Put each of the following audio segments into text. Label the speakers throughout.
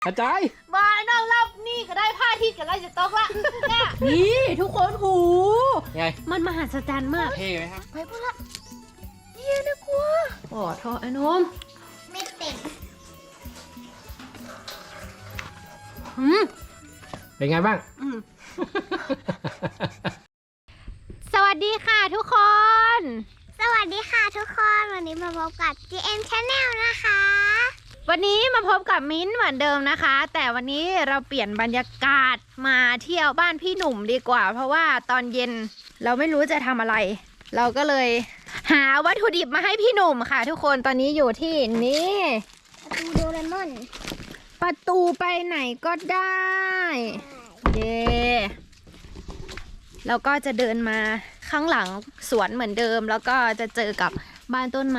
Speaker 1: กระจาย
Speaker 2: มานอกรอบนี่ก็ได้ผ้าที่กันแล้วจะตกละเนี่ย
Speaker 3: นี่ทุกคนหู
Speaker 1: ไง
Speaker 3: มันมหัศจรรย์มาก
Speaker 1: เท่ไหมครับ
Speaker 2: ไปพูดละเยี่ยนะกลัว
Speaker 3: โอ้โทษไอ้นม
Speaker 2: ไม่เต็ม
Speaker 1: เป็นไงบ้าง
Speaker 3: สวัสดีค่ะทุกคน
Speaker 2: สวัสดีค่ะทุกคนวันนี้มาพบกับ GM Channel นะคะ
Speaker 3: วันนี้มาพบกับมิ้นท์เหมือนเดิมนะคะ แต่วันนี้เราเปลี่ยนบรรยากาศมาเที่ยวบ้านพี่หนุ่มดีกว่า เพราะว่าตอนเย็นเราไม่รู้จะทำอะไร เราก็เลยหาวัตถุดิบมาให้พี่หนุ่มค่ะ ทุกคนตอนนี้อยู่ที่นี่
Speaker 2: ประตูโดเรมอน
Speaker 3: ประตูไปไหนก็ได้เย่แล้วก็จะเดินมาข้างหลังสวนเหมือนเดิม แล้วก็จะเจอกับบ้านต้นไม้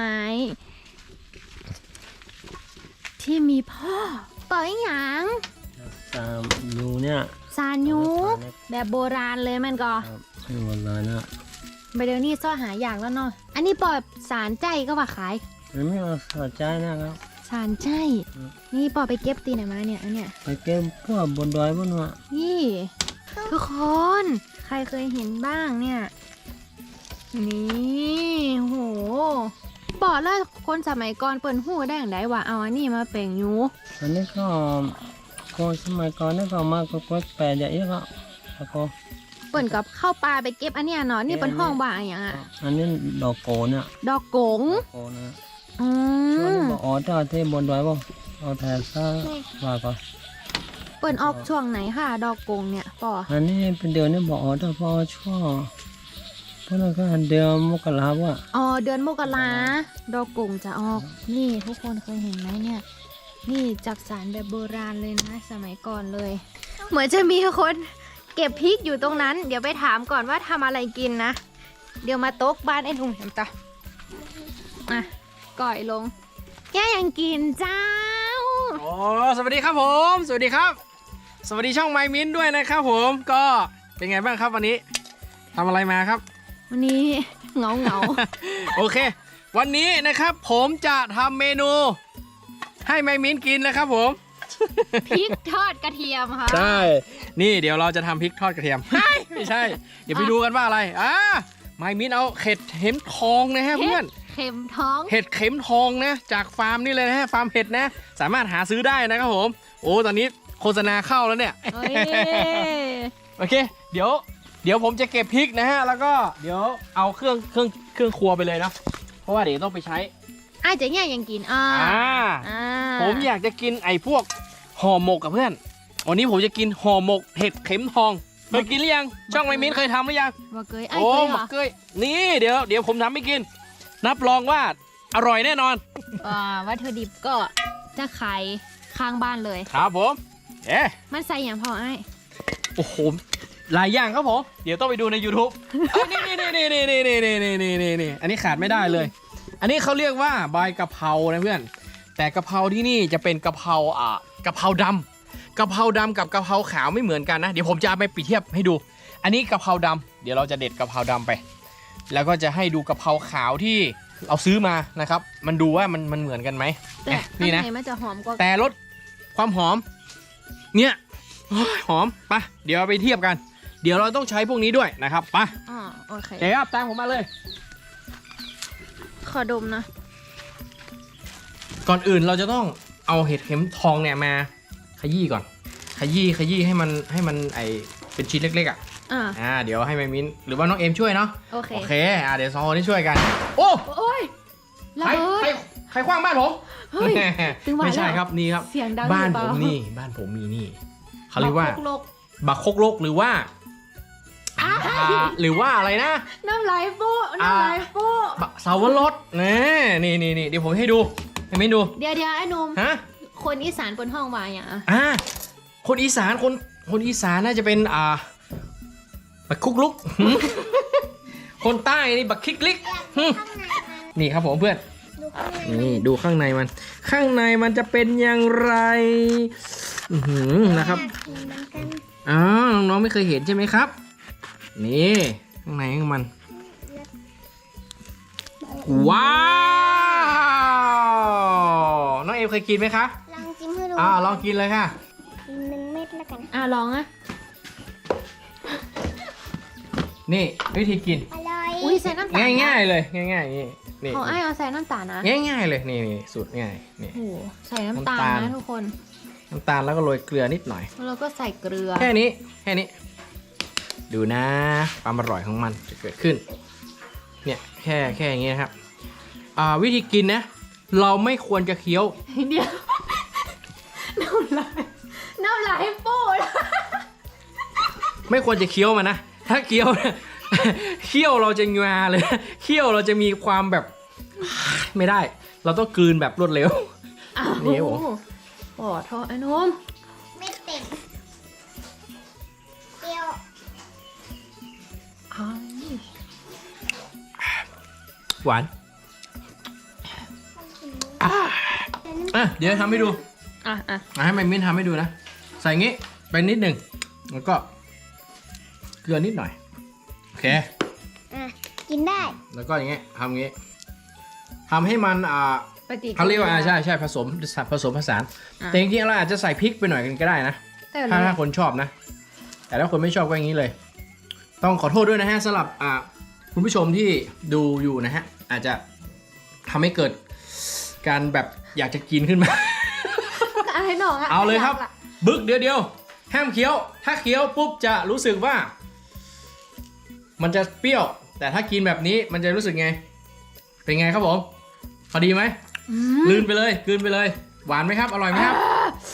Speaker 3: ที่มีพ่อปล่อยหยาง
Speaker 1: ตามยูเนี่ย
Speaker 3: ซานยูแบบโบราณเลยมันก็
Speaker 1: ให้หมดเลยนะ
Speaker 3: ไปเดี๋ยวนี้ซ่อหาอย่างแล้วเนาะอันนี้ปล่อยสารใจก็ว่าขาย
Speaker 1: มันไม่เอาสอดใจนะครับ
Speaker 3: สารใจนี่ปล่อยไปเก็บตีไหนมาเนี่ยอันเนี้ย
Speaker 1: ไปเก็บพวกบนดอยบนหัว
Speaker 3: นี่ทุกคนใครเคยเห็นบ้างเนี่ยนี่โหบอกแล้วคนสมัยก่อนเปิ่นหูได้อย่างไรวะเอาอันนี้มาเป่งยู
Speaker 1: อันนี้ก็คนสมัยก่อนนี่ก็มาก็แปลอย่างนี้ก็แล้วก็
Speaker 3: เปิ่นกับเข้าป่าไปเก็บอันเนี้ยเนาะนี่เป็นห้องว่าอะไรอย่างอ่ะ
Speaker 1: อันนี้ดอกโกเนี่ย
Speaker 3: ดอกกง
Speaker 1: ดอกโกนะ
Speaker 3: อื
Speaker 1: ช่วง
Speaker 3: ม
Speaker 1: นี้บอกอ๋อเจ้าที่บนดอยบ่เอาแทนซะว่าก็
Speaker 3: เปิ่นออกช่วงไหนค่ะ ดอกกงเนี่ยป่อ
Speaker 1: อันนี้เป็นเดือนนี่บอกอ๋อเจ้าพอช่วงเพราะนั่นก็เดือนมกราว่ะ
Speaker 3: อ๋อเดือนมกราดอกกงจะออกนี่ทุกคนเคยเห็นไหมเนี่ย นี่จักสารแบบโบราณเลยนะสมัยก่อนเลย เหมือนจะมีคนเก็บพริกอยู่ตรงนั้น เดี๋ยวไปถามก่อนว่าทำอะไรกินนะ เดี๋ยวมาโต๊ะบ้านไอ้ทุ่งเห็นต่ออ่ะก่อยลงแกยังกินเจ้า
Speaker 4: โอ้สวัสดีครับผม สวัสดีครับ สวัสดีช่องไมมินด้วยนะครับผมก็เป็นไงบ้างครับวันนี้ทำอะไรมาครับ
Speaker 3: วันนี้เหงาเหงา
Speaker 4: โอเค วันนี้นะครับผมจะทำเมนู ให้ไมมินกินนะครับผม
Speaker 3: พริกทอดกระเทียมค่ะ
Speaker 4: ใช่นี่เดี๋ยวเราจะทำพริกทอดกระเทียม ไม่ใช่ เดี๋ยวไปดูกันว่าอะไรไมมินเอาเห็ดเข็มทองนะฮะเพื่อน
Speaker 3: เข็มท้อง
Speaker 4: เห็ดเข็มทองนะจากฟาร์มนี่เลยนะฮะฟาร์มเห็ดนะสามารถหาซื้อได้นะครับผมโอ้ตอนนี้โฆษณาเข้าแล้วเนี่ย
Speaker 3: เอ้ย
Speaker 4: โอเคเดี๋ยวผมจะเก็บพริกนะฮะแล้วก็เดี๋ยวเอาเครื่องครัวไปเลยเนาะเพราะว่าเดี๋ยวต้องไปใช้
Speaker 3: อ้ายเจ๊เนี่ยยังกินอ่า อ่า
Speaker 4: ผมอยากจะกินไอ้พวกห่อหมกกับเพื่อนวันนี้ผมจะกินห่อหมกเห็ดเข็มทองเคยกินหรือยังช่องไมมิ้นเคยทำหรือยัง
Speaker 3: ว่าเกยอ้าย
Speaker 4: โอ้
Speaker 3: เคย
Speaker 4: ห
Speaker 3: เห
Speaker 4: ม
Speaker 3: ร
Speaker 4: ก
Speaker 3: อ
Speaker 4: เกยนี่เดี๋ยวผมทำให้กินรับรองว่าอร่อยแน่นอน
Speaker 3: วัตถุดิบก็จะขายข้างบ้านเลย
Speaker 4: ครับผม
Speaker 3: มันใส่อย่างพอไอ้าย
Speaker 4: โอ้โหหลายอย่างครับผมเดี๋ยวต้องไปดูใน YouTube นี่อันนี้ขาดไม่ได้เลย อันนี้เขาเรียกว่าใบกะเพรานะเพื่อนแต่กะเพราที่นี่จะเป็นกะเพรากะเพราดำกะเพราดำกับกะเพราขาวไม่เหมือนกันนะเดี๋ยวผมจะเอาไปเปรียบเทียบให้ดู อันนี้กะเพราดำเดี๋ยวเราจะเด็ดกะเพราดำไป แล้วก็จะให้ดูกะเพราขาวที่เราซื้อมานะครับมันดูว่ามันเหมือนกันไหม
Speaker 3: แต่
Speaker 4: นี่นะ
Speaker 3: ข้างในมันจะหอมกว่า
Speaker 4: แต่รสความหอมเนี่ยโอ้ยหอมไปเดี๋ยวเอาไปเทียบกัน เดี๋ยวเราต้องใช้พวกนี้ด้วยนะครับไป
Speaker 3: อ๋อโอเค
Speaker 4: เดี๋ยวครับตามผมมาเลย
Speaker 3: ขอดมนะ
Speaker 4: ก่อนอื่นเราจะต้องเอาเห็ดเข็มทองเนี่ยมาขยี้ก่อนขยี้ให้มันไอเป็นชิ้นเล็กๆเดี๋ยวให้แม่มิ้นหรือว่าน้องเอ็มช่วยเนาะ
Speaker 3: โอเค
Speaker 4: เดี๋ยวสองคนนี้ช่วยกันโอ้
Speaker 3: โอ้ยระ
Speaker 4: ใคร
Speaker 3: เบิด
Speaker 4: ใครคว้างบ้านผม
Speaker 3: เฮ้ยถึงว่า
Speaker 4: ไม่ใช่
Speaker 3: แล้ว
Speaker 4: ครับนี่ครับ
Speaker 3: เสียงดัง
Speaker 4: บ้าน
Speaker 3: หรือ
Speaker 4: ผ
Speaker 3: เป
Speaker 4: ม
Speaker 3: ล่า
Speaker 4: นี่บ้านผมมีนี่เขาเรียกว่า
Speaker 3: โลก
Speaker 4: บักคกลกหรือว่าหรือว่าอะไรนะ
Speaker 3: น้ำลายฟูน้ำลายฟู
Speaker 4: บักเสาวรสนี่เดี๋ยวผมให้ดูให้มิ้นดู
Speaker 3: เดี๋ยวไอ้หนุ่ม
Speaker 4: ฮะ
Speaker 3: คนอีสานบนห้องว่าอย่าง
Speaker 4: คนอีสานคนอีสานน่าจะเป็นบักคุกลุก คนใต้นี่บักคิกลิก
Speaker 2: ข้างในมัน
Speaker 4: นี่ครับผมเพื่อน
Speaker 2: ดูข้างใน
Speaker 4: นี่ดูข้างในมัน ข้างในมันจะเป็นอย่างไรนะครับ
Speaker 2: เหมือนกัน
Speaker 4: น้องๆไม่เคยเห็นใช่ไหมครับ นี่ข้างในของมัน ว้าวน้องเอมเคยกินไหมคะ
Speaker 2: ลองจิ้มให้รู้
Speaker 4: ลองกินเลยค่ะ
Speaker 2: 1 เม็ดแล้วกัน
Speaker 3: ลองอะ
Speaker 4: นี่วิธีกิน
Speaker 2: อร่อย
Speaker 3: อุ้ยใส่น้ำตาล
Speaker 4: ง่ายๆเลยง่ายๆนี่
Speaker 3: ของไอ้เอาใส่น้ำตาลนะ
Speaker 4: ง่ายๆเลยนี่สูตรง่ายนี่
Speaker 3: โอ้โหใส่น้ำตาล
Speaker 4: น้ำตาล
Speaker 3: นะทุกคน
Speaker 4: น้ำตาลแล้วก็โรยเกลือนิดหน่อย
Speaker 3: แล้วเราก็ใส่เกลือ
Speaker 4: แค่นี้ดูนะความอร่อยของมันจะเกิดขึ้นเนี่ยแค่อย่างเงี้ยครับวิธีกินนะเราไม่ควรจะเคี้ยว
Speaker 3: เดี๋ยวน้ำลายปูด
Speaker 4: ไม่ควรจะเคี้ยวมันนะถ้าเคี้ยวเนี่ย เคี้ยวเราจะงาเลยเคี้ยวเราจะมีความแบบ ไม่ได้ เราต้องกลืนแบบรวดเร็ว นี่ครับผม
Speaker 3: โอ้โทษไอ้นุ่ม
Speaker 2: ไม่เต็มเปรี้ยว
Speaker 4: หวานเดี๋ยวทำให้ดู ให้มันมิ้นทำให้ดูนะใส่งี้ไปนิดหนึ่งแล้วก็เกลือนิดหน่อยโอเค
Speaker 2: กินได้
Speaker 4: แล้วก็อย่างเงี้ยทำอย่างงี้ทำให้มัน
Speaker 3: ปฏิ
Speaker 4: เขาเรียกว่าใช่ผสมผสานแต่จริงๆเราอาจจะใส่พริกไปหน่อยกันก็ได้นะถ้าคนชอบนะแต่ถ้าคนไม่ชอบก็อย่างนี้เลย ต้องขอโทษด้วยนะฮะสำหรับคุณผู้ชมที่ดูอยู่นะฮะอาจจะทำให้เกิดการแบบอยากจะกินขึ้นมา
Speaker 3: อะไรหนองอะ
Speaker 4: เอาเลยครับบึกเดียวห้ามเคี้ยวถ้าเคี้ยวปุ๊บจะรู้สึกว่า มันจะเปรี้ยวแต่ถ้ากินแบบนี้มันจะรู้สึกไงเป็นไงครับผมพอดีไหมกลืนไปเลยหวานไหมครับอร่อยไหมครับ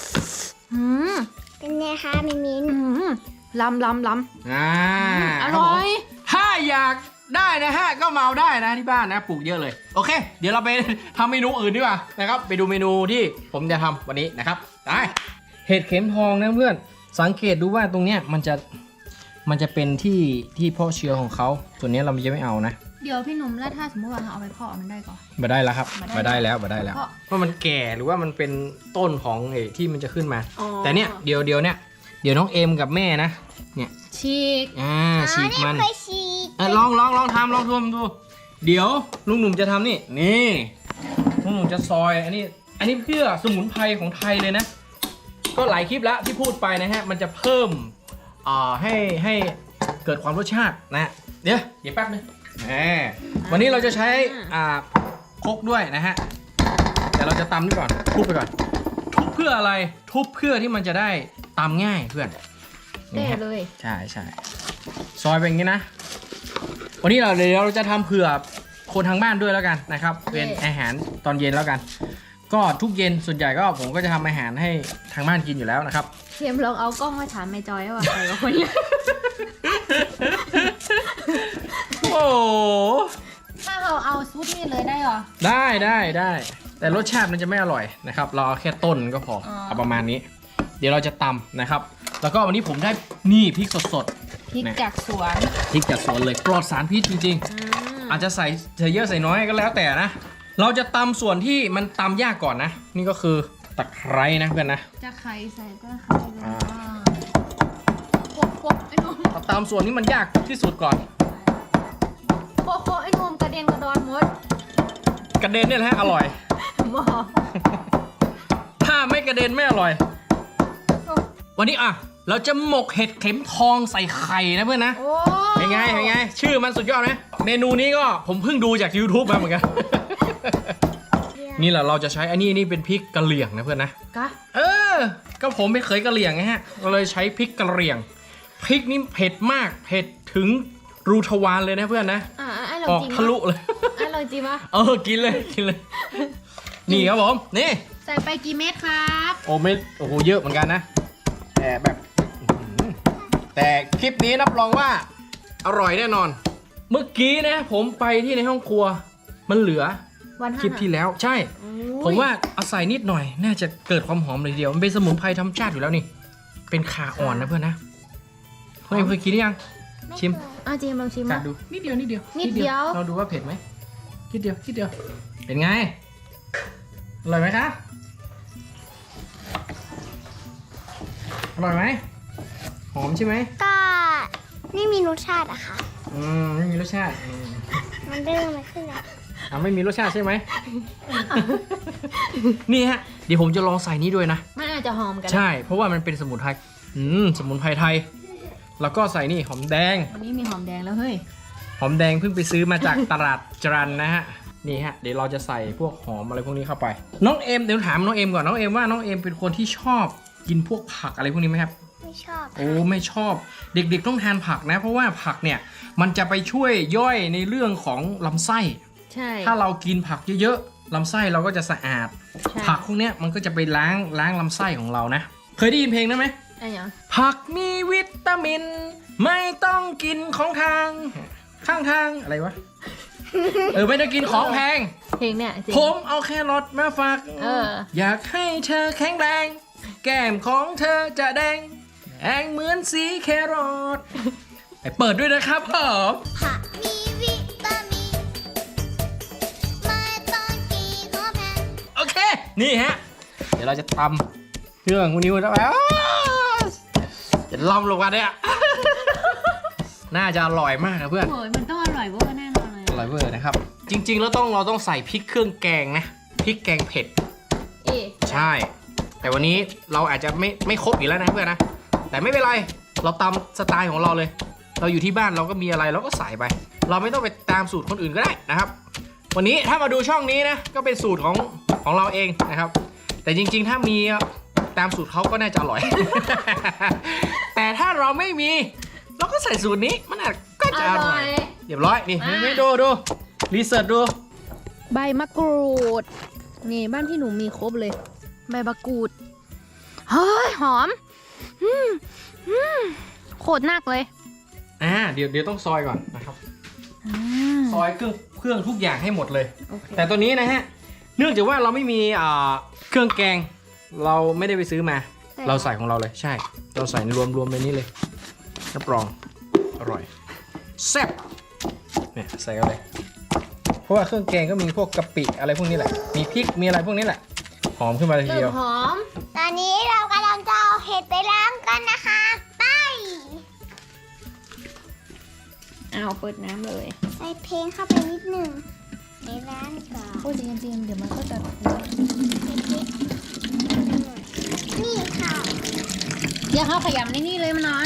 Speaker 2: เป็นไงคะมิมิน
Speaker 3: ล้ำ อร่อย
Speaker 4: ถ้าอยากได้นะฮะก็มาเอาได้นะที่บ้านนะปลูกเยอะเลยโอเค เดี๋ยวเราไปทำเมนูอื่นดีกว่านะครับไปดูเมนูที่ผมจะทำวันนี้นะครับได้เห็ดเข็มทองนะเพื่อนสังเกตดูว่าตรงเนี้ยมันจะเป็นที่เพาะเชื้อของเขาส่วนนี้เราจะไม่เอานะ
Speaker 3: เดี๋ยวพี่หนุ่มแล้วถ้าสมมติว่าเราเอาไปเพาะมันได้ก่อน
Speaker 4: มาได้แล้วครับ
Speaker 3: มา
Speaker 4: มา
Speaker 3: ได้
Speaker 4: ได้แล้วว่ามันแก่หรือว่ามันเป็นต้นของที่มันจะขึ้นมา แต่เนี่ยเดี๋ยวน้องเอ็มกับแม่นะเนี่ย
Speaker 3: ฉีก
Speaker 4: ฉีกมัน
Speaker 2: เคยฉีก
Speaker 4: ลองทำดูเดี๋ยวลุงหนุ่มจะทำนี่ลุงหนุ่มจะซอยอันนี้เพื่อสมุนไพรของไทยเลยนะก็หลายคลิปแล้วที่พูดไปนะฮะมันจะเพิ่มให้เกิดความรสชาตินะเดี๋ยวแป๊บนึงวันนี้เราจะใช้ครกด้วยนะฮะแต่เราจะตำนี่ก่อนทุบไปก่อนทุบเพื่ออะไรทุบเพื่อที่มันจะได้ตำง่ายเพื่อน
Speaker 3: เด้เลย
Speaker 4: ใช่ซอยเป็นอย่างนี้นะวันนี้เดี๋ยวเราจะทำเผื่อคนทางบ้านด้วยแล้วกันนะครับเป็นอาหารตอนเย็นแล้วกัน ก็ทุกเย็นส่วนใหญ่ก็ผมก็จะทำอาหารให้ทางบ้านกินอยู่แล้วนะครับ
Speaker 3: เทียมลองเอากล้องมาถามแม่จอยว่าใครกับคนนี้
Speaker 4: โอ้
Speaker 3: ถ้าเราเอาซุปนี่เลยได้เหรอ
Speaker 4: ได้แต่รสชาติมันจะไม่อร่อยนะครับเราเอาแค่ต้นก็พอเอาประมาณนี้ เดี๋ยวเราจะตำนะครับแล้วก็วันนี้ผมได้นี่พริกสด
Speaker 3: พริกจากสวน
Speaker 4: พริกจากสวนเลยปลอดสารพิษจริงๆอาจจะใส่เยอะใส่น้อยก็แล้วแต่นะเราจะตำส่วนที่มันตำยากก่อนนะนี่ก็คือตะไคร้นะเพื่อนนะ
Speaker 3: จะไข่ใส่ก็ไข่เลยโคกไอ้นุ่ม
Speaker 4: เราตำส่วนที่มันยากที่สุดก่อน
Speaker 3: โคไอ้นุ่มกระเด็นกระดอนหมด
Speaker 4: กระเด็นเนี่ยแหละอร่อย
Speaker 3: หมอ
Speaker 4: ถ้าไม่กระเด็นไม่อร่อย วันนี้เราจะหมกเห็ดเข็มทองใส่ไข่นะเพื่อนนะ
Speaker 3: โอ้
Speaker 4: เป็นไงชื่อมันสุดยอดไหมเมนูนี้ก็ผมเพิ่งดูจาก YouTube มาเหมือนกัน นี่แหละเราจะใช้อันนี้เป็นพริกกะเหรี่ยงนะเพื่อนนะ
Speaker 3: กะ
Speaker 4: ก็ผมไม่เคยกะเหรี่ยงไงฮะเราเลยใช้พริกกะเหรี่ยงพริกนี่เผ็ดมากเผ็ดถึงรูทวารเลยนะเพื่อนนะ
Speaker 3: ไอ้ลอง
Speaker 4: ออก
Speaker 3: จิ้ม
Speaker 4: ทะลุเลย
Speaker 3: ไอ้ลองจิ้มวะ
Speaker 4: กินเลยนี่ครับผมนี่
Speaker 3: ใส่ไปกี่เม็ดครับ
Speaker 4: โอ้โหเยอะเหมือนกันนะแต่คลิปนี้รับรองว่าอร่อยแน่นอน เมื่อกี้นะผมไปที่ในห้องครัวมันเหลือ
Speaker 3: วัน
Speaker 4: คลิปที่แล้วใช่ ผมว่าเอาใส่นิดหน่อยน่าจะเกิดความหอมเลยทีเดียวมันเป็นสมุนไพรธรรมชาติอยู่แล้วนี่เป็นข่าอ่อนนะเพื่อนนะเคยกินหรือยังชิม
Speaker 3: จิ้มลองชิม
Speaker 4: กั
Speaker 3: มา
Speaker 4: ดดูนิดเดียว
Speaker 3: นิดเดียว
Speaker 4: เราดูว่าเผ็ดไหมนิดเดียวเป็นไงอร่อยไหมคะอร่อยไหมหอมใช่ไหม
Speaker 2: ก็ไม่มีรสชาติอะค่ะ
Speaker 4: ไม่มีรสชาติ
Speaker 2: มันเริ่มมาขึ้นแล้ว
Speaker 4: ไม่มีรสชาติใช่ไหม นี่ฮะเดี๋ยวผมจะลองใส่นี้ด้วยนะ
Speaker 3: ไม่าจะหอมกันนะ
Speaker 4: ใช่เพราะว่ามันเป็นสมุนไพรสมุนไพรไทยแล้วก็ใส่นี่หอมแดง
Speaker 3: วันนี้มีหอมแดงแล้วเฮ้ย
Speaker 4: หอมแดงเพิ่งไปซื้อมาจาก ตลาดจรัญนะฮะนี่ฮะเดี๋ยวเราจะใส่พวกหอมอะไรพวกนี้เข้าไปน้องเอ็มเดี๋ยวถามน้องเอ็มก่อนน้องเอ็มว่าน้องเอ็มเป็นคนที่ชอบกินพวกผักอะไรพวกนี้ไหมครับ
Speaker 2: ไม่ชอบ
Speaker 4: โอ้ไม่ชอบเด็กๆต้องทานผักนะเพราะว่าผักเนี่ยมันจะไปช่วยย่อยในเรื่องของลำไส้
Speaker 3: ใช่
Speaker 4: ถ้าเรากินผักเยอะๆลำไส้เราก็จะสะอาด
Speaker 3: ใช่
Speaker 4: ผักพวกเนี้ยมันก็จะไปล้างลำไส้ของเรานะเคยได้ยินเพลงนั้นไหม
Speaker 3: ไอ้หยัง
Speaker 4: ผักมีวิตามิน ไม่ต้องกินของทางข้างทางอะไรวะ ไม่ต้องกินของแพง
Speaker 3: เพลงเนี่ยจริง
Speaker 4: ผมเอาแครอทมาฝาก อยากให้เธอแข็งแรง แก้มของเธอจะแดงเหมือนสีแครอทไปเปิดด้วยนะครับผม
Speaker 2: ผักมีวิตามินไม่ต้องกินของแพง
Speaker 4: โอเค นี่ฮะ เดี๋ยวเราจะตำเครื่องพวกนี้แล้วแบบจะล่ำลงมาเนี่ย น่าจะอร่อยมากนะเพื่อน
Speaker 3: โอ้ยมันต้องอร่อยเวอร์แน่นอนเลย
Speaker 4: อร่อยเวอร์นะครับ จริงๆแล้วเราต้องใส่พริกเครื่องแกงนะพริกแกงเผ็ด ใช่ แต่วันนี้เราอาจจะไม่ครบอีกแล้วนะเพื่อนนะ แต่ไม่เป็นไร เราตามสไตล์ของเราเลย เราอยู่ที่บ้านเราก็มีอะไรเราก็ใส่ไป เราไม่ต้องไปตามสูตรคนอื่นก็ได้นะครับ วันนี้ถ้ามาดูช่องนี้นะก็เป็นสูตรของเราเองนะครับ แต่จริงๆถ้ามีตามสูตรเขาก็น่าจะอร่อย แต่ถ้าเราไม่มีเราก็ใส่สูตรนี้มันอาจก็จะอร่อยเรียบร้อยนี่ไม่ดูรีเสิร์ชดู
Speaker 3: ใบมะกรูด นี่บ้านพี่หนูมีครบเลย ใบมะกรูด เฮ้ย หอมโคตรนักเลย
Speaker 4: เดี๋ยวต้องซอยก่อนนะครับ ซอยเครื่องทุกอย่างให้หมดเลย
Speaker 3: โอเค
Speaker 4: แต่ตัวนี้นะฮะ เนื่องจากว่าเราไม่มีเครื่องแกง เราไม่ได้ไปซื้อมา เราใส่ของเราเลย ใช่ เราใส่รวมในนี้เลยรับรองอร่อยแซ่บเนี่ยใส่กันเลย เพราะว่าเครื่องแกงก็มีพวกกะปิอะไรพวกนี้แหละ มีพริกมีอะไรพวกนี้แหละ หอมขึ้นมาเลยที
Speaker 3: เริ่
Speaker 4: เดีย
Speaker 3: ม
Speaker 4: ว
Speaker 3: หอม
Speaker 2: ตอนนี้เรากำลังจะเอาเห็ดไปล้างกันนะคะ ไป
Speaker 3: เอาเปิดน้ำเลย
Speaker 2: ใส่เพลงเข้าไปนิดหนึ่งในร้านก่อน
Speaker 3: โอ้ยจริงๆเดี๋ยวมันก็จะ
Speaker 2: นี่ค่ะ
Speaker 3: อย่าเข้าขยำในนี่เลยมันน้อย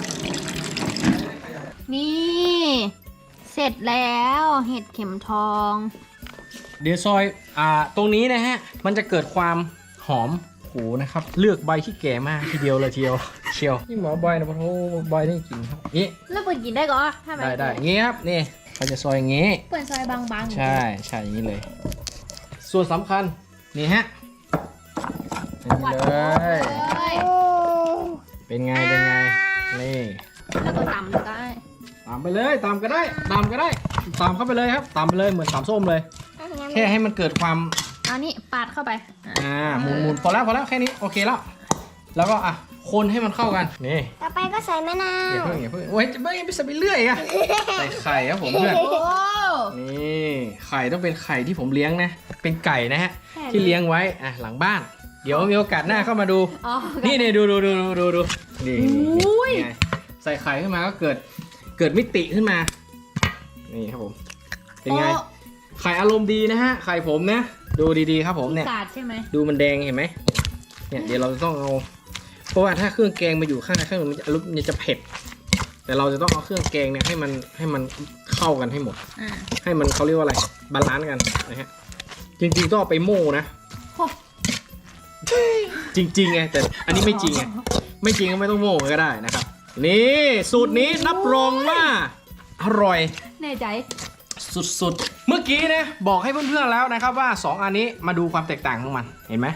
Speaker 3: นี่ เสร็จแล้วเห็ดเข็มทอง
Speaker 4: เดี๋ยวซอยตรงนี้นะฮะ มันจะเกิดความหอมหูนะครับ เลือกใบที่แก่มากทีเดียวเลยเชียวนี่หมอบอยนะพะโทบอยนี่กินครับนี่
Speaker 3: แล้วเปิดกินได้ก็ถ้าแบบ
Speaker 4: ได้อย่างงี้ครับนี่เราจะซอยอย่างงี้
Speaker 3: เปิดซอยบางๆ
Speaker 4: ใช่อย่างนี้เลย ส่วนสำคัญนี่ฮะนี่เลย
Speaker 2: โอ้
Speaker 4: เป็นไงนี่
Speaker 3: แล้วก็ตำได้
Speaker 4: ตามไปเลยตามก็ได้ตามเข้าไปเลยครับตามไปเลยเหมือนตามส้มเลย แค่ให้มันเกิดความ
Speaker 3: เอานี่ปาดเข้าไป
Speaker 4: หมุนพอแล้วแค่นี้โอเคแล้ว แล้วก็คนให้มันเข้ากันนี่
Speaker 2: ต่อไปก็ใส่มะนา
Speaker 4: อย่าว เพิ่งโอ้ยจะไม่ไปใส่ไปเรื่อยอะใส่ไข่ครับผมเพื่อน
Speaker 3: โอ้
Speaker 4: นี่ไข่ต้องเป็นไข่ที่ผมเลี้ยงนะ เป็นไก่นะฮะ
Speaker 3: แค่นี้
Speaker 4: ที่เลี้ยงไว้หลังบ้าน เดี๋ยวมีโอกาสหน้าเข้ามาดู
Speaker 3: อ๋อ
Speaker 4: นี่ดูนี่ไงใส่ไข่ขึ้นมาก็เกิดมิติขึ้นมา นี่ครับผม เป็นไง ไข่อารมณ์ดีนะฮะ ไข่ผมนะ ดูดีๆครับผมเนี่ย
Speaker 3: กาดใช่ไหม
Speaker 4: ดูมันแดงเห็นไหมเนี่ยเดี๋ยวเราจะต้องเอา เพราะว่าถ้าเครื่องแกงมาอยู่ข้างในเครื่องมันจะเผ็ด แต่เราจะต้องเอาเครื่องแกงเนี่ยให้มันเข้ากันให้หมด ให้มันเขาเรียกว่าอะไรบาลานซ์กันนะฮะ จริงๆต้องเอาไปโม่นะ
Speaker 3: โอ้
Speaker 4: จริงๆไงแต่อันนี้ไม่จริงไงไม่จริงก็ไม่ต้องโม่ก็ได้นะครับ นี่สูตรนี้รับรองว่าอร่อย
Speaker 3: แน่ใจ
Speaker 4: สุดๆ เมื่อกี้นะบอกให้เพื่อนๆแล้วนะครับว่า2อันนี้มาดูความแตกต่างของมันเห็นไหม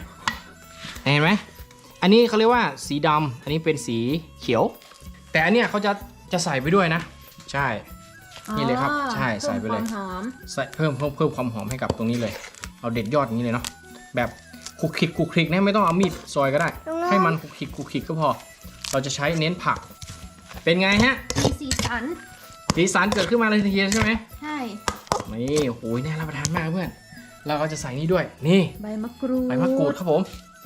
Speaker 4: อันนี้เขาเรียกว่าสีดำอันนี้เป็นสีเขียว แต่อันเนี้ยเขาจะใส่ไปด้วยนะ ใช่ นี่เลยครับใช่ใส่ไปเลย
Speaker 3: พิ่มความหอม
Speaker 4: ใส่เพิ่มความหอมให้กับตรงนี้เลย เอาเด็ดยอดอย่างนี้เลยเนาะแบบคลุกคลิกนะไม่ต้องเอามีดซอยก็ได้ ให้มันคลุกคลิกก็พอ เราจะใช้เน้นผัก เป็นไงฮะ
Speaker 3: มีสีสัน
Speaker 4: สีสันเกิดขึ้นมาเลยทีเดียวใช่ไหม
Speaker 3: ใช่
Speaker 4: นี่โอ้ยน่ารับประทานมากเพื่อนเราก็จะใส่นี่ด้วยนี่
Speaker 3: ใบมะกรูด
Speaker 4: ใบมะกรูดครับผม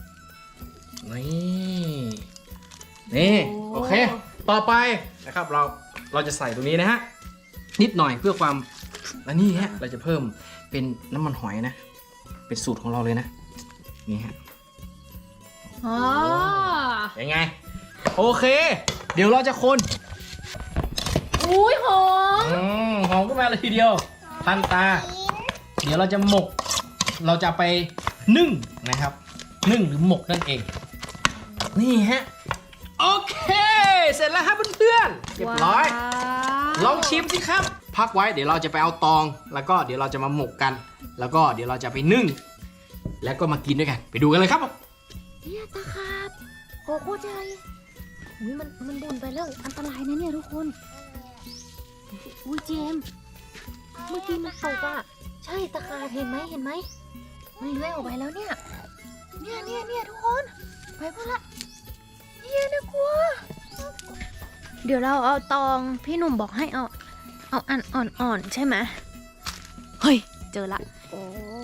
Speaker 4: นี่โอเค ต่อไปนะครับเราจะใส่ตรงนี้นะฮะนิดหน่อยเพื่อความและนี่ฮะเราจะเพิ่มเป็นน้ำมันหอยนะ เป็นสูตรของเราเลยนะนี่ฮะโอเค
Speaker 3: อ๋อ
Speaker 4: ยังไง โอเค เดี๋ยวเราจะคน
Speaker 3: อุ้ยหอม
Speaker 4: หอมขึ้นมาเลยทีเดียวทันตา เดี๋ยวเราจะหมก เราจะไปนึ่งนะครับ นึ่งหรือหมกนั่นเอง นี่ฮะ โอเค เสร็จแล้วครับเพื่อนๆเรียบร้อย ลองชิมสิครับ พักไว้เดี๋ยวเราจะไปเอาตอง แล้วก็เดี๋ยวเราจะมาหมกกัน แล้วก็เดี๋ยวเราจะไปนึ่ง แล้วก็มากินด้วยกัน ไปดูกันเลยครับผม
Speaker 3: เนี่ยตาขาบโอ้โหใจอุ้ยมันบุ่นไปแล้ว อันตรายนะเนี่ยทุกคน อุ้ยเจมส์เมื่อกี้มันตกอ่ะ ใช่ตาขาบเห็นไหมมันเลื้อยออกไปแล้วเนี่ย เนี่ยทุกคน ไปพอละเนี่ยนะกลัว เดี๋ยวเราเอาตองพี่หนุ่มบอกให้เอาอันอ่อนๆใช่ไหมเฮ้ย เจอละ โอ้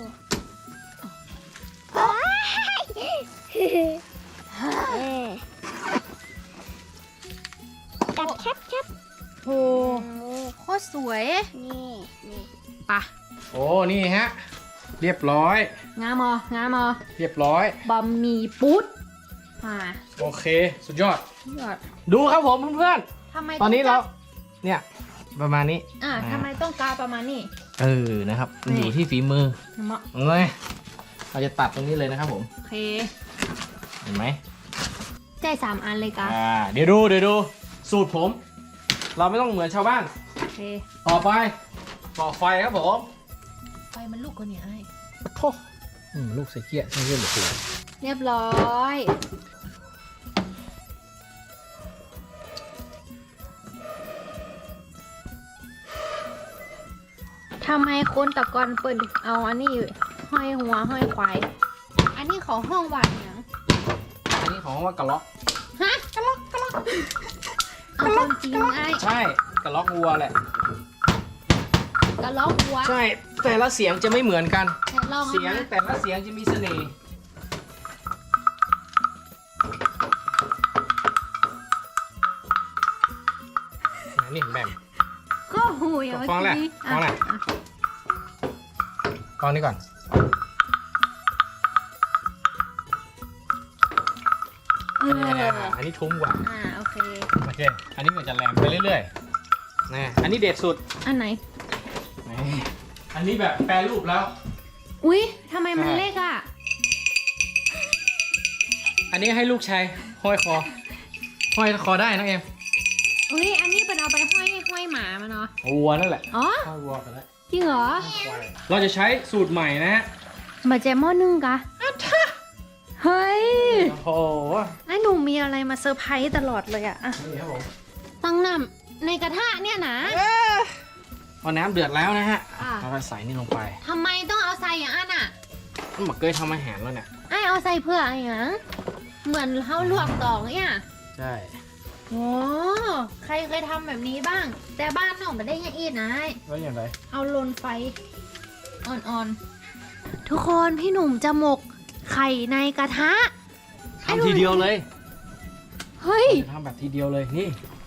Speaker 2: จับแคบ
Speaker 3: โหโคตรสวย
Speaker 2: นี่
Speaker 3: ปะ
Speaker 4: โอ้ นี่ฮะ เรียบร้อย
Speaker 3: งามอ
Speaker 4: เรียบร้อย
Speaker 3: บะหมี่ปุ๊ดมา
Speaker 4: โอเค สุดยอด
Speaker 3: ยอด
Speaker 4: ดูครับผมเพื่อน
Speaker 3: ทำไม
Speaker 4: ๆ ตอนนี้เรา เนี่ยประมาณนี้
Speaker 3: ทำไมต้องกาประมาณนี้
Speaker 4: นะครับมันอยู่ที่ฝีมือ
Speaker 3: เหมาะ
Speaker 4: เลยเราจะตัดตรงนี้เลยนะครับผม
Speaker 3: โอเค
Speaker 4: เห็นไหม
Speaker 3: ใจ3 อันเลยกา
Speaker 4: เดี๋ยวดู สูตรผม เราไม่ต้องเหมือนชาวบ้าน
Speaker 3: โอเค
Speaker 4: ต่อไปก่อไฟครับผม
Speaker 3: ไฟมันลุกกว่านี้ไอ้
Speaker 4: โอ้ลูกใส่เกี้ยใส่เกี้ยหรือเปล่า
Speaker 3: เรียบร้อย ทำไมคนตะกอนเปิดเอาอันนี้ห้อยหัวห้อยควาย อันนี้ของห้องหวานยัง
Speaker 4: อันนี้ของว่ากระล็อก
Speaker 3: ฮะกะล็อกเอาความจริงไอ้
Speaker 4: ใช่กระล็อกวัวแหละ
Speaker 3: กะล็อกหัว
Speaker 4: ใช่แต่ละเสียงจะไม่เหมือนกัน
Speaker 3: แต่ลอง
Speaker 4: เสียง
Speaker 3: นะ
Speaker 4: แต่ละเสียงจะมีเสน่ห์นี่แบ่ง
Speaker 3: ก็หูย
Speaker 4: ฟังแหละฟังแหละ กองนี้ก่อน อันนี้ทุ้มกว่า
Speaker 3: โอเค
Speaker 4: โอเค อันนี้มันจะแหลมไปเรื่อยๆนะอันนี้เด็ดสุด
Speaker 3: อันไหน
Speaker 4: นี่อันนี้แบบแปรรูปแล้ว
Speaker 3: อุ๊ยทำไมมันเล็กอ่ะ
Speaker 4: อันนี้ให้ลูกชายห้อยคอ ห้อยคอได้นะเอ็ม
Speaker 3: อุ๊ย อันนี้เป็นเอาไปห้อยหมามาเนาะ
Speaker 4: วัวนั่นแหละ
Speaker 3: อ๋อ
Speaker 4: ห้อยวัวกันแล้ว
Speaker 3: จริงเหรอ
Speaker 4: เราจะใช้สูตรใหม่นะฮะ
Speaker 3: มาแจมหม้อนึ่งกะเฮ้ย
Speaker 4: โอ้โห
Speaker 3: ไอ้หนูมีอะไรมาเซอร์ไพรส์ตลอดเลยอะ
Speaker 4: นี่ครับผม
Speaker 3: ตั้งน้ำในกระทะเนี่ยนะ
Speaker 4: พอน้ำเดือดแล้วนะฮะ
Speaker 3: อ่ะ
Speaker 4: เราก็ใส่นี่ลงไป
Speaker 3: ทำไมต้องเอาใส่อย่างอันอะ
Speaker 4: มันบอกเคยทำอาหารแล้วเนี่ย
Speaker 3: ไอ้เอาใส่เพื่ออะไรอย่างเหมือนเขาลวกตองเนี่ย
Speaker 4: ใช่
Speaker 3: โอ้ใครเคยทำแบบนี้บ้าง แต่บ้านหนูไม่ได้ยังอีดนะไอ้
Speaker 4: แล้วอย่างไร
Speaker 3: เอาลนไฟอ่อนๆ ทุกคนพี่หนุ่มจะหมกไข่ในกระทะ
Speaker 4: ทำทีเดียวเลย
Speaker 3: เฮ้ย
Speaker 4: ทำแบบทีเดียวเลยนี่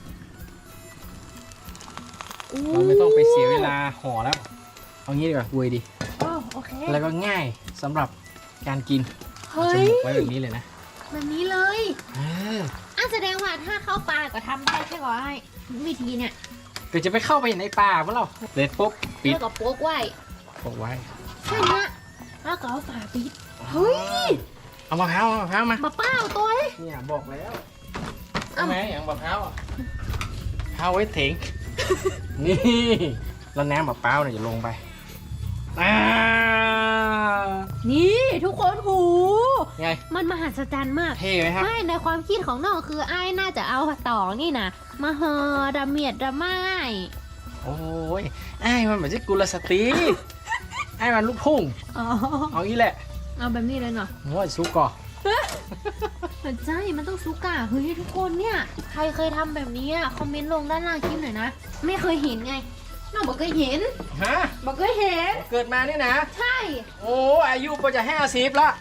Speaker 4: เราไม่ต้องไปเสียเวลาห่อแล้ว เอางี้ดีกว่าเวยดี
Speaker 3: โอเค
Speaker 4: แล้วก็ง่ายสำหรับการกิน
Speaker 3: เฮ้
Speaker 4: จะ
Speaker 3: ย
Speaker 4: หมกไว้แบบนี้เลยนะ
Speaker 3: แบบนี้เลย แสดงว่าถ้าเข้าป่าก็ทำได้ใช่ไหมวิธีเนี่ย
Speaker 4: เดี๋ยวจะไปเข้าไปในป่าเมื่อเราเด็ดปุ๊บปิด
Speaker 3: แล้วก็โป๊กไว้
Speaker 4: ปกไว้
Speaker 3: แค่เนี้ยแล้วก็เอาฝาปิด เฮ้ย
Speaker 4: เอามะพร้าวมา
Speaker 3: มาเป้าตัวเอ้ย
Speaker 4: เนี่ยบอกแล้วเอาไหมอย่างมะพร้าวอ่ะพร้าวไว้ถึง นี่แล้วน้ำมะพร้าวเนี่ยจะลงไป
Speaker 3: นี่ทุกคนหู
Speaker 4: ไง
Speaker 3: มันมหัศจรรย์มาก
Speaker 4: เท่ไหมครับ
Speaker 3: ไม่ในความคิดของน้องคือไอ้น่าจะเอาตองนี่นะมาเฮอดะเมียดดะไม้
Speaker 4: โอ้ยไอ้มันเหมือนจะกุลสตรี ไอ้มันลูกพุ่ง
Speaker 3: อ๋อ
Speaker 4: เอางี้แหละ
Speaker 3: เอาแบบนี้เลยเนาะ
Speaker 4: โอ้ยซุกก่อ
Speaker 3: ใช่มันต้องซุกอะเฮ้ยทุกคนเนี่ย ใครเคยทำแบบนี้อะคอมเมนต์ลงด้านล่างคลิปหน่อยนะ ไม่เคยเห็นไง น้องบอกเคยเห็น
Speaker 4: ฮะ
Speaker 3: บอกเคยเห็น
Speaker 4: เกิดมาเนี่ยนะ
Speaker 3: ใช่
Speaker 4: โอ้อายุก็จะ50ละ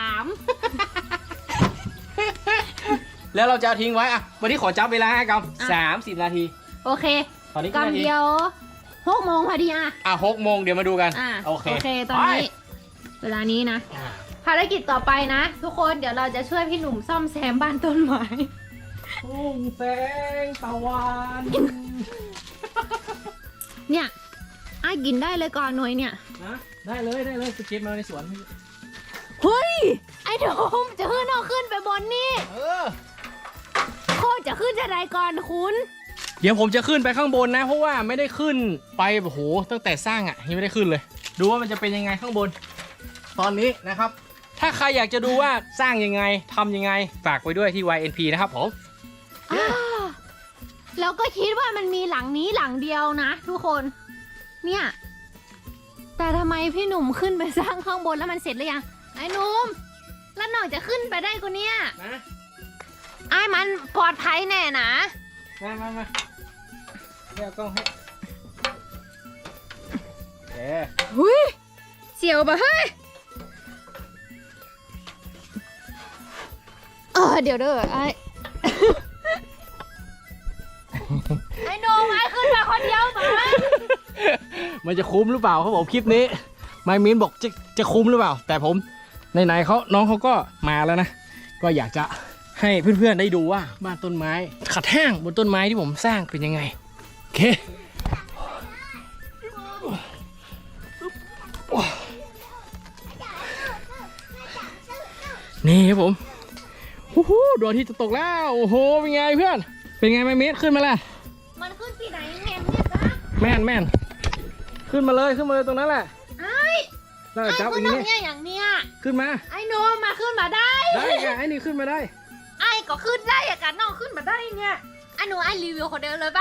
Speaker 3: 3
Speaker 4: แล้วเราจะทิ้งไว้อะวันนี้ขอจับเวลาให้กับ30 นาที
Speaker 3: โอเค
Speaker 4: ตอนนี้กี่นาที
Speaker 3: กำเดียว6 โมงพอดีอะ
Speaker 4: 6 โมงเดี๋ยวมาดูกัน
Speaker 3: อ่ะ
Speaker 4: โอเค
Speaker 3: ตอนนี้ เวลานี้นะ
Speaker 4: ไป
Speaker 3: ภารกิจต่อไปนะ ทุกคนเดี๋ยวเราจะช่วยพี่หนุ่มซ่อมแซมบ้านต้นไม้
Speaker 4: ทุ่งแสงตะวัน
Speaker 3: เนี่ยไอ้กินได้เลยก่อนหน่อยเนี่ย
Speaker 4: นะได้เลยสเก็ตมาในสวน
Speaker 3: เฮ้ยไอ้โดมจะขึ้นเอาขึ้นไปบนนี่ โคตรจะขึ้นจะไรก่อนคุณ
Speaker 4: เดี๋ยวผมจะขึ้นไปข้างบนนะเพราะว่าไม่ได้ขึ้นไปโอ้โหตั้งแต่สร้างอ่ะยังไม่ได้ขึ้นเลย ดูว่ามันจะเป็นยังไงข้างบน ตอนนี้นะครับ ถ้าใครอยากจะดูว่าสร้างยังไงทำยังไงฝากไว้ด้วยที่ YNP นะครับผม
Speaker 3: แล้วก็คิดว่ามันมีหลังนี้หลังเดียวนะทุกคนเนี่ยแต่ทำไมพี่หนุ่มขึ้นไปสร้างข้างบนแล้วมันเสร็จหรือยังไอ้หนุ่มแล้วหน่อยจะขึ้นไปได้กูเนี่ย
Speaker 4: นะ
Speaker 3: ไอ้มันปลอดภัยแน่นะ
Speaker 4: มาเดี๋ยวกล้องให้โอเค
Speaker 3: หุยเสียวปะเฮ้ยเดี๋ยวเด้อไอ้ ไอ้หนุ่มไอ้ขึ้นมาคนเดียวปะ
Speaker 4: มันจะคุ้มหรือเปล่าครับผมคลิปนี้ไมมินบอกจะคุ้มหรือเปล่า แต่ผมไหนๆน้องเขาก็มาแล้วนะก็อยากจะให้เพื่อนๆได้ดูว่าบ้านต้นไม้ขัดแห้งบนต้นไม้ที่ผมสร้างเป็นยังไงโอเคนี่ครับผมโอ้โหดวงอาที่จะตกแล้วโอ้โหเป็นไงเพื่อนเป็นไงไมมินขึ้นมาแล้ว
Speaker 3: มันขึ้นที่ไหนแม่เนี่ยจ๊ะ
Speaker 4: แม่นขึ้นมาเลยตรงนั้นแหละ
Speaker 3: ไอ้
Speaker 4: แล้ว
Speaker 3: ไอ้
Speaker 4: จับ
Speaker 3: ขึ้
Speaker 4: อั
Speaker 3: น
Speaker 4: น
Speaker 3: ตร
Speaker 4: นี้
Speaker 3: งเนี้ยอย่างเนี้ย
Speaker 4: ขึ้นมา
Speaker 3: ไอ้หนุ่มมาขึ้นมาได้
Speaker 4: ได้ไงไอ้นี่ขึ้นมาได้
Speaker 3: ไอ้ก็ขึ้นได้อะกันน้องขึ้นมาได้เนี่ยไอ้หนูไอ้รีวิวคนเดียวเลยไป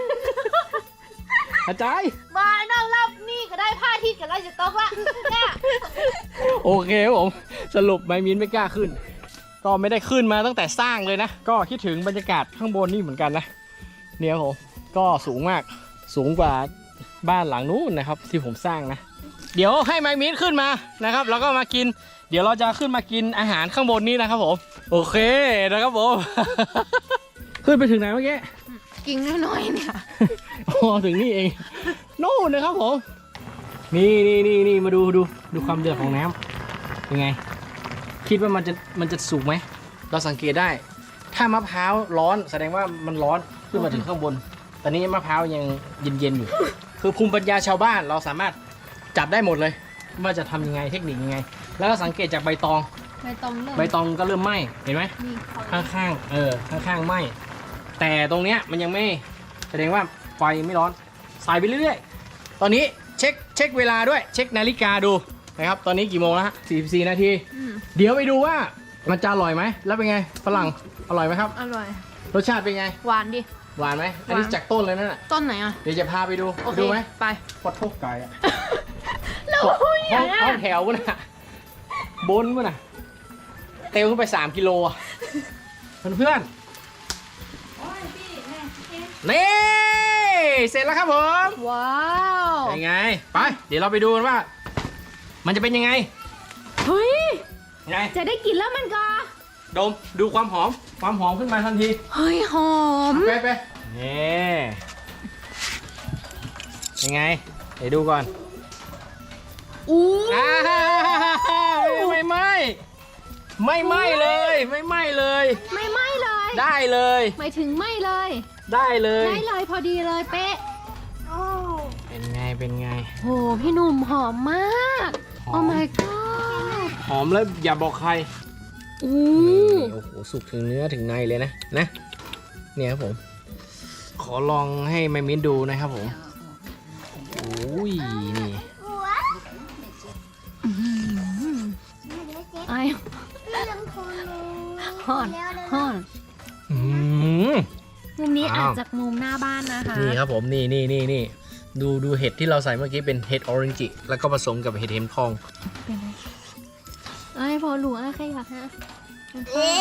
Speaker 4: อาจารย์
Speaker 3: มาไอ้น้องรอบนี่ก็ได้ผ้าที่กันแล้วจะตกละเนี่ย
Speaker 4: โอเคครับผมสรุปไมมินไม่กล้าขึ้น ก็ไม่ได้ขึ้นมาตั้งแต่สร้างเลยนะ ก็คิดถึงบรรยากาศข้างบนนี่เหมือนกันนะเนี่ยครับผมก็สูงมากสูงกว่าบ้านหลังนู้นนะครับที่ผมสร้างนะ เดี๋ยวให้ไมมินขึ้นมานะครับแล้วก็มากิน เดี๋ยวเราจะขึ้นมากินอาหารข้างบนนี้นะครับผมโอเคนะครับผม ขึ้นไปถึงไหนเมื่อกี้
Speaker 3: กินน้อยๆเนี่ย
Speaker 4: อ๋อถึงนี่เองนู่นนะครับผมนี่มาดูความเดือดของน้ำเป็นไง คิดว่ามันจะสุกไหมเราสังเกตได้ ถ้ามะพร้าวร้อนแสดงว่ามันร้อนขึ้นมาถึงข้างบนตอนนี้มะพร้าวยังเย็นอยู่ คือภูมิปัญญาชาวบ้านเราสามารถจับได้หมดเลยว่าจะทำยังไงเทคนิคยังไง แล้วก็สังเกตจากใบตอง
Speaker 3: ใบตองเริ่ม
Speaker 4: ใบตองก็เริ่มไหม้เห็นไหม
Speaker 3: นี่เขา
Speaker 4: ข้างๆไหม้แต่ตรงเนี้ยมันยังไม่แสดงว่าไฟไม่ร้อนใส่ไปเรื่อยๆตอนนี้เช็คเวลาด้วยเช็คนาฬิกาดูนะครับตอนนี้กี่โมงแล้วฮะ44 นาที เดี๋ยวไปดูว่ามันจะอร่อยไหมแล้วเป็นไงฝรั่งอร่อยไหมครับ
Speaker 3: อร่อย
Speaker 4: รสชาติเป็นไง
Speaker 3: หวานดิ
Speaker 4: หวานไหมอันนี้
Speaker 3: หวาน
Speaker 4: จากต้นเลยนั่นแหละ
Speaker 3: ต้นไหนอ่ะ
Speaker 4: เดี๋ยวจะพาไปดู
Speaker 3: โอเค
Speaker 4: ดูไหม
Speaker 3: ไป
Speaker 4: ปอดโทกไก่อะ
Speaker 3: แล้ว
Speaker 4: ห้องแถวกันนะบนกันนะเตลขึ้นไป3 กิโลอะเพื่อนๆนี่เสร็จแล้วครับผม
Speaker 3: ว้าว
Speaker 4: เป็นไงไปเดี๋ยวเราไปดูกันว่า มันจะเป็นยังไง
Speaker 3: เฮ้ย
Speaker 4: ไง
Speaker 3: จะได้กินแล้วมันก็
Speaker 4: ดมดูความหอมขึ้นมาทันที
Speaker 3: เฮ้ยหอม
Speaker 4: ไปนี่เป็นไงเดี๋ยวดูก่อน
Speaker 3: อู้
Speaker 4: ไม่ไหม้เลยไม่ไหม้เลย
Speaker 3: ไม่ไหม้เลย
Speaker 4: ได้เลย
Speaker 3: หมายถึงไหม้เลย
Speaker 4: ได้เลย
Speaker 3: ได้เลยพอดีเลยเป๊ะ
Speaker 4: เป็นไง
Speaker 3: โหพี่หนุ่มหอมมาก
Speaker 4: หอม
Speaker 3: โอ้ my god
Speaker 4: หอมแล้วอย่าบอกใคร
Speaker 3: อู้
Speaker 4: โอ้โหสุกถึงเนื้อถึงในเลยนะเนี่ยครับผมขอลองให้แม่มิ้นดูนะครับผมโอ้ยนี่
Speaker 3: ไอ้
Speaker 2: เรื่องโคโล
Speaker 3: ห่อนห่อน
Speaker 4: อืม
Speaker 3: มุมนี้
Speaker 4: อ้าว
Speaker 3: อาจจากมุมหน้าบ้านนะคะ
Speaker 4: นี่ครับผมนี่ดูเห็ดที่เราใส่เมื่อกี้เป็นเห็ดออเรนจิแล้วก็ผสมกับเห็ดเข็มทอง
Speaker 3: เป็นไรไอ้พอหลูใครอยากฮะ
Speaker 2: เอ๊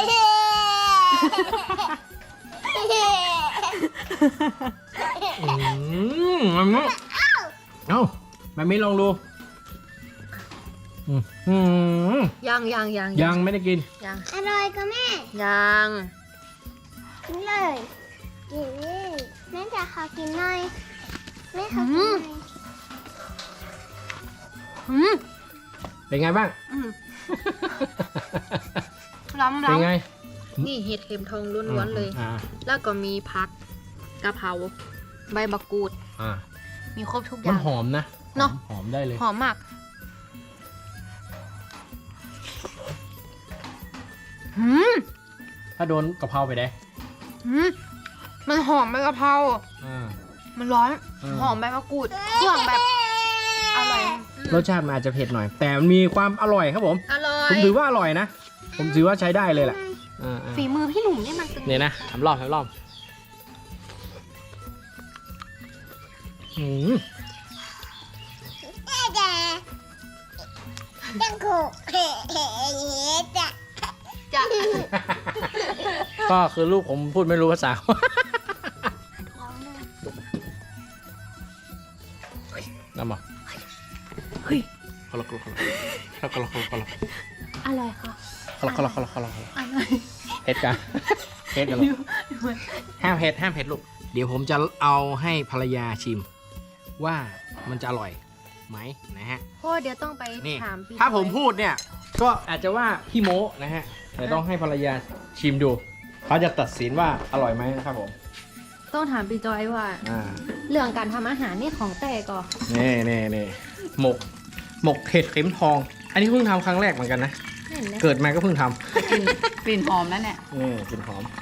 Speaker 4: มันมั้งเอ้าแม่มิ้นลองดูยังไม่ได้กิน
Speaker 2: อร่อยก็แม่
Speaker 3: ยัง
Speaker 2: กินเลยกินเลยแม่จะขอกินหน่อยแม่ขอกินหน่อย
Speaker 3: อืม
Speaker 4: เป็นไงบ้าง
Speaker 3: อืมล้ำ
Speaker 4: เป็นไง
Speaker 3: นี่เห็ดเข็มทองล้วนๆเลย
Speaker 4: อ่า
Speaker 3: แล้วก็มีผักกะเพราใบมะกรูด
Speaker 4: อ่า
Speaker 3: มีครบทุกอ
Speaker 4: มัน
Speaker 3: ย่าง
Speaker 4: หอมนะ
Speaker 3: เนอะ
Speaker 4: หอมได้เลย
Speaker 3: หอมมากหืม
Speaker 4: ถ้าโดนกะเพราไปได้
Speaker 3: หืมมันหอมใบกะเพรา
Speaker 4: อ่า
Speaker 3: มันร้อน
Speaker 4: อืม
Speaker 3: หอมใบมะกรูดเครื่องแบบอร่อย
Speaker 4: รสชาติมันอาจจะเผ็ดหน่อย แต่มันมีความอร่อยครับผม
Speaker 3: อร่อ
Speaker 4: ผม
Speaker 3: ย
Speaker 4: ถือว่าอร่อยนะ ผมถือว่าใช้ได้เลยแหละอ่า
Speaker 3: ฝีมือพี่หนุ่มนี่มันเป็น
Speaker 4: เนี่ยนะทำรอบอืม
Speaker 2: จังกูเฮ้จ้ะ
Speaker 3: จะ
Speaker 4: ก็คือลูกผมพูดไม่รู้ภาษา น้ำมา
Speaker 3: เฮ้ย
Speaker 4: คนละคนละ
Speaker 3: อะไรคะ
Speaker 4: เฮ็ดกันเฮ็ดกันลูกห้ามเฮ็ดลูก เดี๋ยวผมจะเอาให้ภรรยาชิม ว่ามันจะอร่อยไหมนะฮะ
Speaker 3: พ่อเดี๋ยวต้องไป
Speaker 4: นี่
Speaker 3: ถามพี่
Speaker 4: ถ้าผม
Speaker 3: จอย
Speaker 4: พูดเนี่ย ก็อาจจะว่าพี่โม้นะฮะแต่ต้องให้ภรรยาชิมดู เขาจะตัดสินว่าอร่อยไหมนะครับผม
Speaker 3: ต้องถามพี่จอยว่า
Speaker 4: อ่า
Speaker 3: เรื่องการทำอาหารนี่ของแต่ก่อน
Speaker 4: นี่หมกเห็ดเข็มทอง อันนี้เพิ่งทำครั้งแรกเหมือนกันนะ
Speaker 3: เห็นไหม
Speaker 4: เกิดมาก็เพิ่งท
Speaker 5: กลิ่นหอมนั่นแหละ
Speaker 4: ำนี่กลิ่นหอม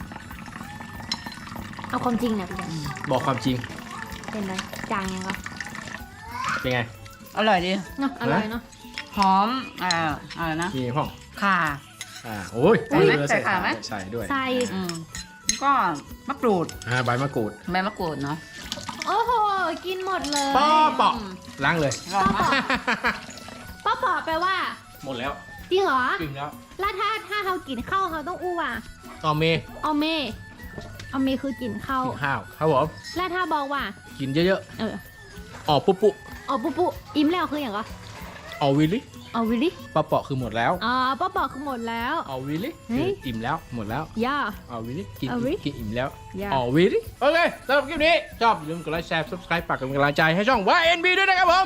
Speaker 3: เอาความจริงนะพี่จอย
Speaker 4: บอกความจริง
Speaker 3: เป็นไรจางยังก็
Speaker 4: เป็นไง
Speaker 5: อร่อยดี
Speaker 3: เนาะอร่อยเนาะ
Speaker 5: หอมอะไรนะ
Speaker 4: มีห้อง
Speaker 5: ข่า
Speaker 4: โอ้ย
Speaker 5: ใส่ไหม
Speaker 4: เออ
Speaker 5: ใส่ขาไหม
Speaker 4: ใส่ด้วย
Speaker 3: ใส่
Speaker 5: อืมแล้วก็มะกรูด
Speaker 4: ใบมะกรูด
Speaker 5: ใบมะกรูดเนาะ
Speaker 3: โอ้โหกินหมดเลย
Speaker 4: ป้อปอกล้างเลย
Speaker 5: อร่อยมาก
Speaker 3: ป้าปอแปลว่า
Speaker 4: หมดแล้ว
Speaker 3: จริงเหรอ
Speaker 4: กินแล้ว
Speaker 3: แล้วถ้าเขากินข้าวเขาต้องอู้อ่ะ
Speaker 4: ต่อเมย์
Speaker 3: เอาเมคือกินข้าว
Speaker 4: กินข้าวครับผม
Speaker 3: แล้วถ้าบอกว่า
Speaker 4: กินเยอะ
Speaker 3: เออ
Speaker 4: ๆออกปุ๊
Speaker 3: เอาปุ๊อิ่มแล้วคืออย่างก็
Speaker 4: เอาวิลลี่
Speaker 3: เอาวิลลี่
Speaker 4: ป้าเปาะคือหมดแล้ว
Speaker 3: อ๋อป้าปอคือหมดแล้ว
Speaker 4: เอาวิลลี่
Speaker 3: เฮ้
Speaker 4: คือย อิ่มแล้วหมดแล้ว
Speaker 3: ย่า
Speaker 4: เอาวิลลี่กิน
Speaker 3: เอาวิลลี่
Speaker 4: กินอิ่มแล้ว
Speaker 3: ย่า
Speaker 4: เอาวิลลี่โอเคสำหรับคลิปนี้ชอบอย่าลืมกดไลค์แชร์ subscribe ฝากเป็นกำลังใจให้ช่อง YNB ด้วยนะครับผม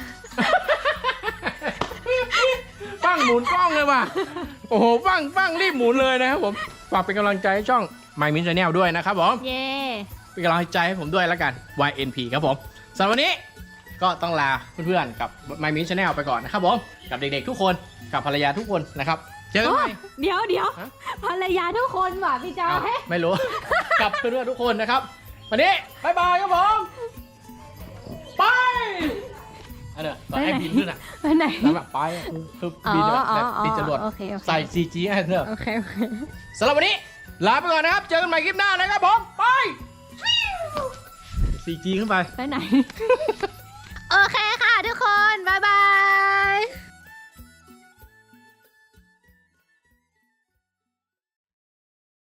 Speaker 4: ฟังหมุนกล้องเลยว่ะโอ้โหฟังรีบหมุนเลยนะครับผมฝากเป็นกำลังใจให้ช่อง My Min Channel ด้วยนะครับผม
Speaker 3: เย่
Speaker 4: เป็นกำลังใจให้ผมด้วยแล้วกัน YNP ครับผมสำหรับวันนี้ก็ต้องลาเพื่อนๆกับ My Min Channel ไปก่อนนะครับผมกับเด็กๆทุกคนกับภรรยาทุกคนนะครับเจอกัน
Speaker 3: โอ้
Speaker 4: ใหม่
Speaker 3: เดี๋ยว
Speaker 4: ฮะ
Speaker 3: ภรรยาทุกคนว่ะพี่จอ
Speaker 4: เอ้าย ไม่รู้ กับเพื่อนๆทุกคนนะครับวันนี้บายบายครับผมไปอันเนี้ยตอนให้บินขึ้นอ่ะ
Speaker 3: ไปไหน
Speaker 4: แล้วแบบไปอะคือบินแบบบินจรวด
Speaker 3: โอเค
Speaker 4: ใส่ CG ให้เถอะ
Speaker 3: โอเค
Speaker 4: สำหรับวันนี้ลาไปก่อนนะครับ เจอกันใหม่คลิปหน้านะครับผม ไป CG ขึ้นไป
Speaker 3: ไปไหน